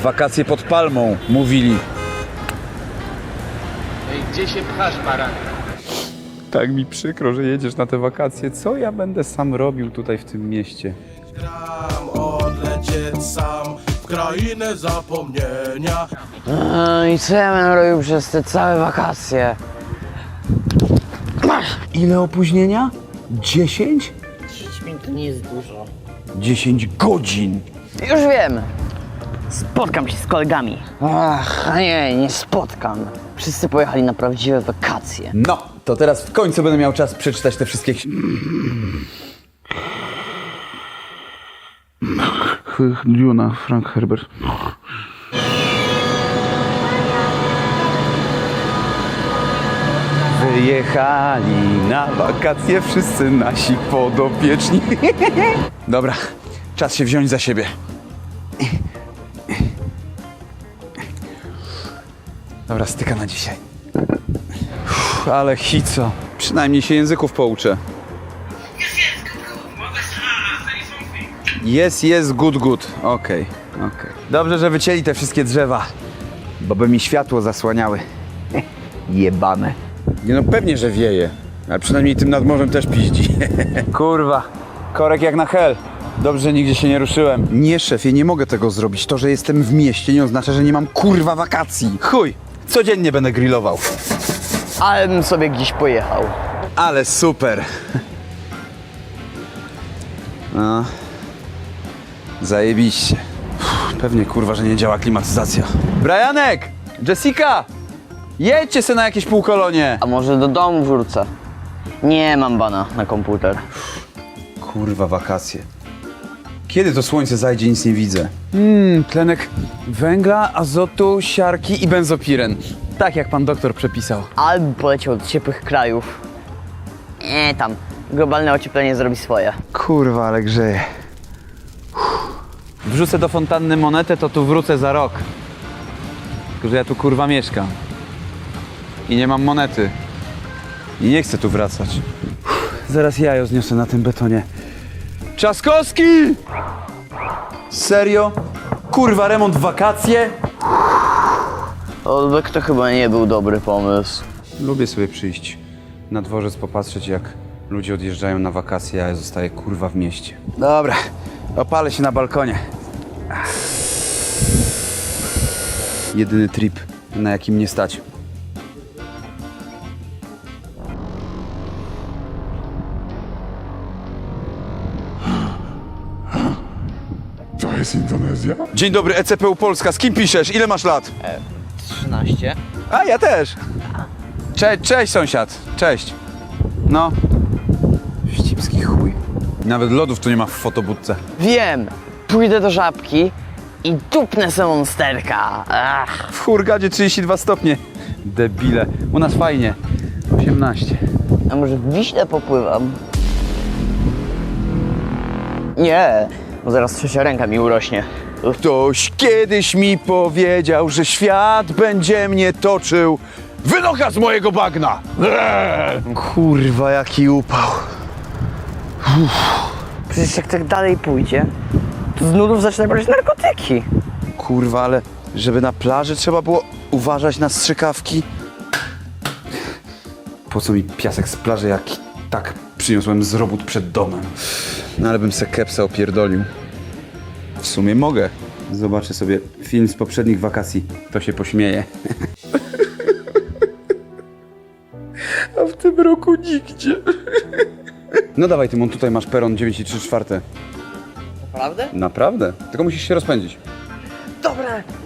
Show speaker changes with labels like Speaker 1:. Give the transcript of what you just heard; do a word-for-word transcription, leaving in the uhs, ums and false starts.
Speaker 1: Wakacje pod palmą, mówili.
Speaker 2: Ej, gdzie się pchasz, baranek?
Speaker 1: Tak mi przykro, że jedziesz na te wakacje. Co ja będę sam robił tutaj w tym mieście?
Speaker 3: Gram odlecieć sam w krainę zapomnienia.
Speaker 4: No i co ja będę robił przez te całe wakacje?
Speaker 1: Ile opóźnienia? Dziesięć?
Speaker 4: dziesięć minut to nie jest dużo.
Speaker 1: Dziesięć godzin.
Speaker 4: Już wiem. Spotkam się z kolegami. Ach, a nie, nie spotkam. Wszyscy pojechali na prawdziwe wakacje.
Speaker 1: No, to teraz w końcu będę miał czas przeczytać te wszystkie ksi- Duna, Frank Herbert. Wyjechali na wakacje wszyscy nasi podopieczni. Dobra, czas się wziąć za siebie. Dobra, styka na dzisiaj. Uff, ale hico. Przynajmniej się języków pouczę. Jest, jest, good, good. Okej, okay, okej. Okay. Dobrze, że wycięli te wszystkie drzewa, bo by mi światło zasłaniały. Jebane. Nie no, pewnie, że wieje. Ale przynajmniej tym nad morzem też piździ. Kurwa, korek jak na hel. Dobrze, że nigdzie się nie ruszyłem. Nie, szefie, nie mogę tego zrobić. To, że jestem w mieście, nie oznacza, że nie mam kurwa wakacji. Chuj, codziennie będę grillował.
Speaker 4: Ale bym sobie gdzieś pojechał.
Speaker 1: Ale super. No. Zajebiście. Uff, pewnie kurwa, że nie działa klimatyzacja. Brianek! Jessica! Jedźcie se na jakieś półkolonie.
Speaker 4: A może do domu wrócę? Nie mam bana na komputer.
Speaker 1: Kurwa, wakacje. Kiedy to słońce zajdzie, nic nie widzę. Mmm, tlenek węgla, azotu, siarki i benzopiren. Tak jak pan doktor przepisał.
Speaker 4: Albo poleciał do ciepłych krajów. Nie tam. Globalne ocieplenie zrobi swoje.
Speaker 1: Kurwa, ale grzeje. Wrzucę do fontanny monetę, to tu wrócę za rok. Tylko, że ja tu kurwa mieszkam. I nie mam monety. I nie chcę tu wracać. Zaraz jajo zniosę na tym betonie. Trzaskowski! Serio? Kurwa, remont w wakacje?
Speaker 4: Olbek to chyba nie był dobry pomysł.
Speaker 1: Lubię sobie przyjść na dworzec, popatrzeć jak ludzie odjeżdżają na wakacje, a ja zostaję kurwa w mieście. Dobra, opalę się na balkonie. Ach. Jedyny trip, na jakim nie stać.
Speaker 5: To jest Indonezja?
Speaker 1: Dzień dobry, E C P U Polska. Z kim piszesz? Ile masz lat?
Speaker 4: trzynaście.
Speaker 1: A, ja też. Cze cześć, sąsiad. Cześć. No. Wścibski chuj. Nawet lodów tu nie ma w fotobudce.
Speaker 4: Wiem. Pójdę do Żabki i dupnę se monsterka. Ach.
Speaker 1: W Hurgadzie trzydzieści dwa stopnie. Debile. U nas fajnie. osiemnaście.
Speaker 4: A może w Wiśle popływam? Nie, bo zaraz trzecia ręka mi urośnie.
Speaker 1: Ktoś kiedyś mi powiedział, że świat będzie mnie toczył. Wynocha z mojego bagna! Eee! Kurwa, jaki upał.
Speaker 4: Przecież jak tak dalej pójdzie, to z nudów zacznę brać narkotyki.
Speaker 1: Kurwa, ale żeby na plaży trzeba było uważać na strzykawki. Po co mi piasek z plaży, jak tak przyniosłem z robót przed domem? No ale bym se kepsa opierdolił. W sumie mogę. Zobaczę sobie film z poprzednich wakacji. To się pośmieje. A w tym roku nigdzie. No dawaj, Tymon, tutaj masz peron dziewięć i trzy czwarte.
Speaker 4: Naprawdę?
Speaker 1: Naprawdę? Tylko musisz się rozpędzić.
Speaker 4: Dobra,